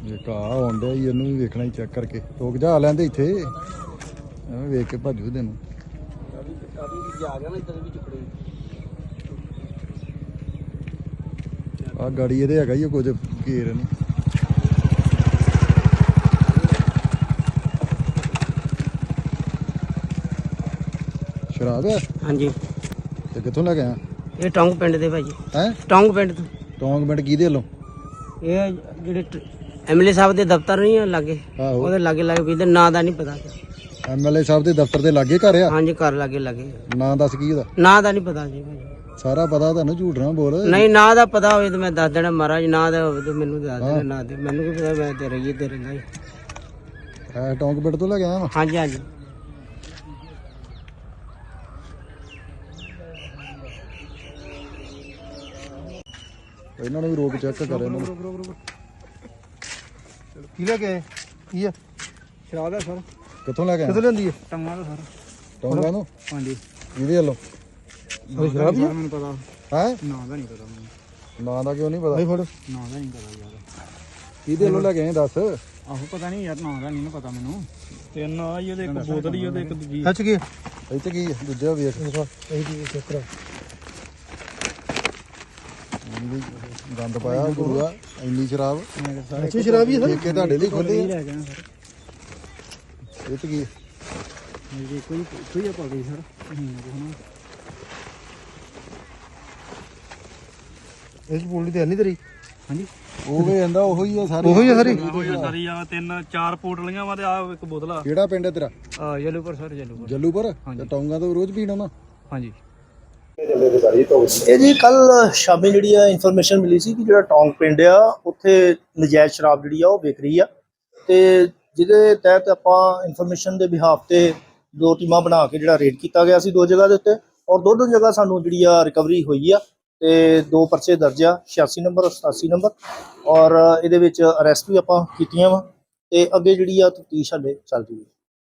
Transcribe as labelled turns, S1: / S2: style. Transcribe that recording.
S1: ਇੱਕ ਆ ਆਉਣ ਡਿਆ ਜੀ, ਇਹਨੂੰ ਵੀ ਵੇਖਣਾ ਹੀ ਚੈੱਕ ਕਰਕੇ। ਰੁਕ ਜਾ ਲੈਂਦੇ ਇੱਥੇ, ਐਵੇਂ ਵੇਖ ਕੇ ਭੱਜੂ ਤੈਨੂੰ। ਆ ਗਾੜੀ ਇਹਦੇ ਹੈਗਾ ਹੀ ਕੁਝ ਘੇਰ ਇਹਨੂੰ। ਸ਼ਰਾਬ ਹੈ?
S2: ਹਾਂਜੀ।
S1: ਤੇ ਕਿੱਥੋਂ ਲੈ ਕੇ ਆਇਆ?
S2: ਇਹ ਟੌਂਗ ਪਿੰਡ ਦੇ ਭਾਜੀ।
S1: ਹੈ
S2: ਟੌਂਗ ਪਿੰਡ ਤੋਂ।
S1: ਟੌਂਗ ਪਿੰਡ ਕਿਹਦੇ ਵੱਲੋਂ?
S2: ਇਹ ਜਿਹੜੇ ਐਮਐਲਏ ਸਾਹਿਬ ਦੇ ਦਫ਼ਤਰ ਨਹੀਂ ਆ ਲਾਗੇ,
S1: ਆਹੋ
S2: ਉਹਦੇ ਲਾਗੇ ਲਾਗੇ ਵੀ ਨਾਂ ਦਾ ਨਹੀਂ ਪਤਾ।
S1: ਐਮਐਲਏ ਸਾਹਿਬ ਦੇ ਦਫ਼ਤਰ ਦੇ ਲਾਗੇ ਘਰ ਆ?
S2: ਹਾਂਜੀ, ਘਰ ਲਾਗੇ ਲਾਗੇ।
S1: ਨਾਂ ਦੱਸ ਕੀ ਉਹਦਾ?
S2: ਨਾਂ ਦਾ ਨਹੀਂ ਪਤਾ ਜੀ ਭਾਜੀ।
S1: ਸਾਰਾ ਪਤਾ ਤੁਹਾਨੂੰ, ਝੂਠ ਨਾ ਬੋਲ।
S2: ਨਹੀਂ, ਨਾਂ ਦਾ ਪਤਾ ਹੋਵੇ ਤਾਂ ਮੈਂ ਦੱਸ ਦੇਣਾ ਮਹਾਰਾਜ, ਨਾਂ ਦਾ ਹੋਵੇ ਤਾਂ ਮੈਨੂੰ ਦੱਸ ਦੇਣਾ। ਨਾਂ ਦੇ ਮੈਨੂੰ ਕੀ ਪਤਾ, ਮੈਂ ਤੇ ਰਹੀ ਤੇ ਰਹਿੰਦਾ ਜੀ।
S1: ਹੈ ਟੌਂਗ ਪਿੰਡ ਤੋਂ ਲੈ ਕੇ ਆਇਆ ਵਾ?
S2: ਹਾਂਜੀ ਹਾਂਜੀ।
S1: ਇਹਨਾਂ ਨੂੰ ਵੀ ਰੋਕ ਚੈੱਕ ਕਰ ਇਹਨਾਂ ਨੂੰ।
S3: ਕੀ ਲੈ ਕੇ ਆਏ? ਕੀ ਆ? ਸ਼ਰਾਬ ਹੈ ਸਰ।
S1: ਕਿੱਥੋਂ ਲੈ ਕੇ ਆਇਆ?
S3: ਕਿੱਥੋਂ ਲੈਂਦੀ ਹੈ? ਟੰਗਾ ਦਾ ਸਰ।
S1: ਟੌਂਗਾਂ ਨੂੰ?
S3: ਹਾਂਜੀ।
S1: ਕਿਹਦੇ ਵੱਲੋਂ?
S3: ਸ਼ਰਾਬ ਹੀ ਮੈਨੂੰ ਪਤਾ।
S1: ਹੈ
S3: ਨਾਂ ਦਾ ਨਹੀਂ ਪਤਾ ਮੈਨੂੰ।
S1: ਨਾਂ ਦਾ ਕਿਉਂ ਨਹੀਂ ਪਤਾ?
S3: ਨਾਂ ਦਾ ਨਹੀਂ ਪਤਾ ਯਾਰ।
S1: ਕਿਹਦੇ ਵੱਲੋਂ ਲੈ ਕੇ ਆਏ ਦੱਸ?
S3: ਆਹੋ ਪਤਾ ਨਹੀਂ ਯਾਰ, ਨਾਂ ਦਾ ਨਹੀਂ ਨਾ ਪਤਾ ਮੈਨੂੰ। ਤਿੰਨ ਆ ਹੀ ਉਹਦੇ, ਇੱਕ ਬੋਤਲ ਹੀ ਉਹਦੇ, ਇੱਕ ਦੂਜੀ। ਸੱਚ ਕੀ?
S1: ਇੱਥੇ ਕੀ ਹੈ? ਦੂਜਾ ਵੇਖ।
S3: ਇਹ ਕੀ ਚੱਕਰ ਆ?
S1: ਗੰਦ ਪਾਇਆ ਗੁਰੂਆ, ਇੰਨੀ ਸ਼ਰਾਬ।
S3: ਅੱਛੀ ਸ਼ਰਾਬ ਹੀ ਹੈ ਸਰ।
S1: ਠੇਕੇ ਤੁਹਾਡੇ ਲਈ ਖੋਲੇ
S3: ਲੈ ਜਾਣਾ ਸਰ।
S1: ਇਹ ਚ ਕੀ ਹੈ?
S3: ਮੇਰੇ ਕੋਈ ਆ ਪਾ ਗਈ ਸਰ। ਇਸ ਬੋਲੀ ਤੇ ਨਹੀਂ ਤੇਰੀ? ਹਾਂਜੀ।
S1: ਉਹ ਵੀ ਕਹਿੰਦਾ ਉਹੋ ਹੀ ਆ ਸਾਰੇ।
S3: ਉਹੋ ਹੀ ਆ ਸਾਰੀ?
S4: ਸਾਰੀ ਆ ਤਿੰਨ ਚਾਰ ਪੋਟਲੀਆਂ ਵਾ ਤੇ ਆ ਇੱਕ ਬੋਤਲ ਆ।
S1: ਕਿਹੜਾ ਪਿੰਡ ਹੈ ਤੇਰਾ?
S3: ਜਲੂਪੁਰ ਸਰ। ਜਲੂਪੁਰ।
S1: ਜੱਲੂਪੁਰ? ਤੇ ਟੌਂਗਾਂ ਤੋਂ ਰੋਜ਼ ਪੀਣ ਆਉਣਾ?
S3: ਹਾਂਜੀ।
S5: ਇਹ ਜੀ ਕੱਲ ਸ਼ਾਮੀ ਜਿਹੜੀ ਆ ਇਨਫੋਰਮੇਸ਼ਨ ਮਿਲੀ ਸੀ ਕਿ ਜਿਹੜਾ ਟੌਂਗ ਪਿੰਡ ਆ ਉੱਥੇ ਨਜਾਇਜ਼ ਸ਼ਰਾਬ ਜਿਹੜੀ ਆ ਉਹ ਵਿਕ ਰਹੀ ਆ, ਤੇ ਜਿਹਦੇ ਤਹਿਤ ਆਪਾਂ ਇਨਫੋਰਮੇਸ਼ਨ ਦੇ ਬਿਹਾਫ ਤੇ 2 ਟੀਮਾਂ ਬਣਾ ਕੇ ਜਿਹੜਾ ਰੇਡ ਕੀਤਾ ਗਿਆ ਸੀ 2 ਜਗ੍ਹਾ ਦੇ ਉੱਤੇ, ਔਰ ਦੋਨੋਂ ਜਗ੍ਹਾ ਸਾਨੂੰ ਜਿਹੜੀ ਆ ਰਿਕਵਰੀ ਹੋਈ ਆ ਤੇ 2 ਪਰਚੇ ਦਰਜ ਆ, 86 ਨੰਬਰ ਔਰ 87 ਨੰਬਰ, ਔਰ ਇਹਦੇ ਵਿੱਚ ਅਰੈਸਟ ਵੀ ਆਪਾਂ ਕੀਤੀਆਂ ਵਾ ਤੇ ਅੱਗੇ ਜਿਹੜੀ ਆ ਤਫਤੀਸ਼ ਹਾਲੇ ਚੱਲ ਰਹੀ ਹੈ।